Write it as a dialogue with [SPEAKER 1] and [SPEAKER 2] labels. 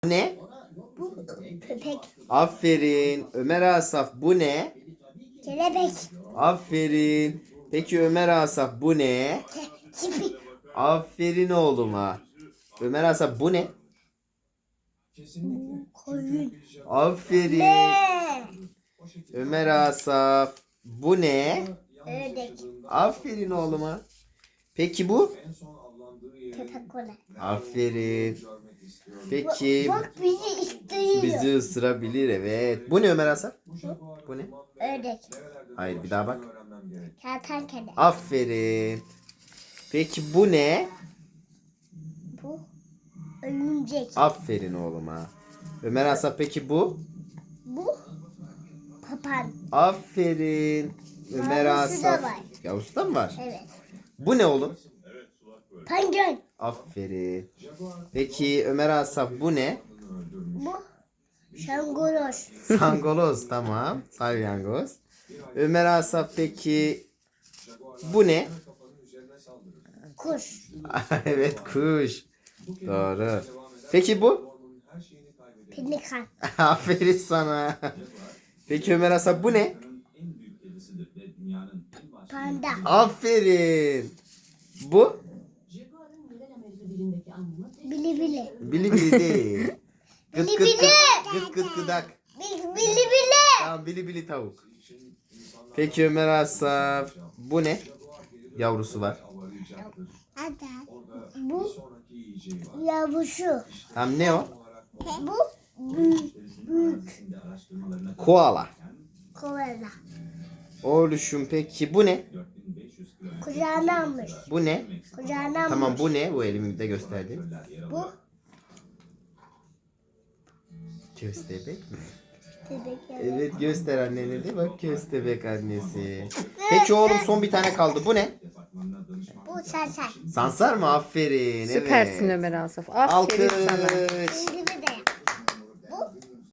[SPEAKER 1] Bu ne?
[SPEAKER 2] Bu köpek.
[SPEAKER 1] Aferin. Ömer Asaf bu ne?
[SPEAKER 2] Kelebek.
[SPEAKER 1] Aferin. Peki Ömer Asaf bu ne?
[SPEAKER 2] Çipi.
[SPEAKER 1] Aferin oğluma. Ömer Asaf bu ne?
[SPEAKER 2] Koyun.
[SPEAKER 1] Aferin.
[SPEAKER 2] Ne?
[SPEAKER 1] Ömer Asaf bu ne?
[SPEAKER 2] Ördek.
[SPEAKER 1] Aferin oğluma. Peki bu?
[SPEAKER 2] Köpek olan.
[SPEAKER 1] Aferin. Peki
[SPEAKER 2] Bak bizi istiyor.
[SPEAKER 1] bizi ısırabilir, evet. Bu ne Ömer Asaf? Bu ne?
[SPEAKER 2] Ördek.
[SPEAKER 1] Hayır, bir daha bak.
[SPEAKER 2] Kertenkele.
[SPEAKER 1] Aferin. Peki bu ne?
[SPEAKER 2] Bu örümcek.
[SPEAKER 1] Aferin oğluma. Ömer Asaf peki bu?
[SPEAKER 2] Bu papan.
[SPEAKER 1] Aferin. Ömer
[SPEAKER 2] Yavrusu da
[SPEAKER 1] Asaf.
[SPEAKER 2] var.
[SPEAKER 1] Yavrusu da mı var?
[SPEAKER 2] Evet.
[SPEAKER 1] Bu ne oğlum?
[SPEAKER 2] Penguin.
[SPEAKER 1] Aferin. Peki Ömer Asaf bu ne?
[SPEAKER 2] Bu şangoloz.
[SPEAKER 1] Sangoloz, tamam. Salyangoz. Ömer Asaf peki bu ne?
[SPEAKER 2] Kuş.
[SPEAKER 1] Evet, kuş. Doğru. Peki bu?
[SPEAKER 2] Pelikan.
[SPEAKER 1] Aferin sana. Peki Ömer Asaf bu ne?
[SPEAKER 2] Panda.
[SPEAKER 1] Aferin. Bu?
[SPEAKER 2] Bili bili.
[SPEAKER 1] Bili bili değil. Gıt gıt
[SPEAKER 2] Bili
[SPEAKER 1] gıt. Gıt gıt gıdak.
[SPEAKER 2] Bili bili.
[SPEAKER 1] Tamam, bili bili tavuk. Peki Ömer Asaf bu ne? Yavrusu var.
[SPEAKER 2] Bu yavrusu.
[SPEAKER 1] Tamam, ne o?
[SPEAKER 2] Bu büyük. Büyük.
[SPEAKER 1] Koala.
[SPEAKER 2] Koala.
[SPEAKER 1] Oğluşum peki bu ne?
[SPEAKER 2] Kucağına almış.
[SPEAKER 1] Bu ne?
[SPEAKER 2] Kucağına almış.
[SPEAKER 1] Tamam, bu ne? Bu elimde gösterdim.
[SPEAKER 2] Bu
[SPEAKER 1] Köstebek mi?
[SPEAKER 2] bebek yavru.
[SPEAKER 1] Evet, göster annene de, bak, köstebek annesi. Peki oğlum, son bir tane kaldı. Bu ne?
[SPEAKER 2] Bu sarsar.
[SPEAKER 1] Sansar mı? Aferin.
[SPEAKER 3] Süpersin
[SPEAKER 1] Evet.
[SPEAKER 3] Ömer Asaf. Aferin sana.
[SPEAKER 1] Alkış.
[SPEAKER 2] Şimdi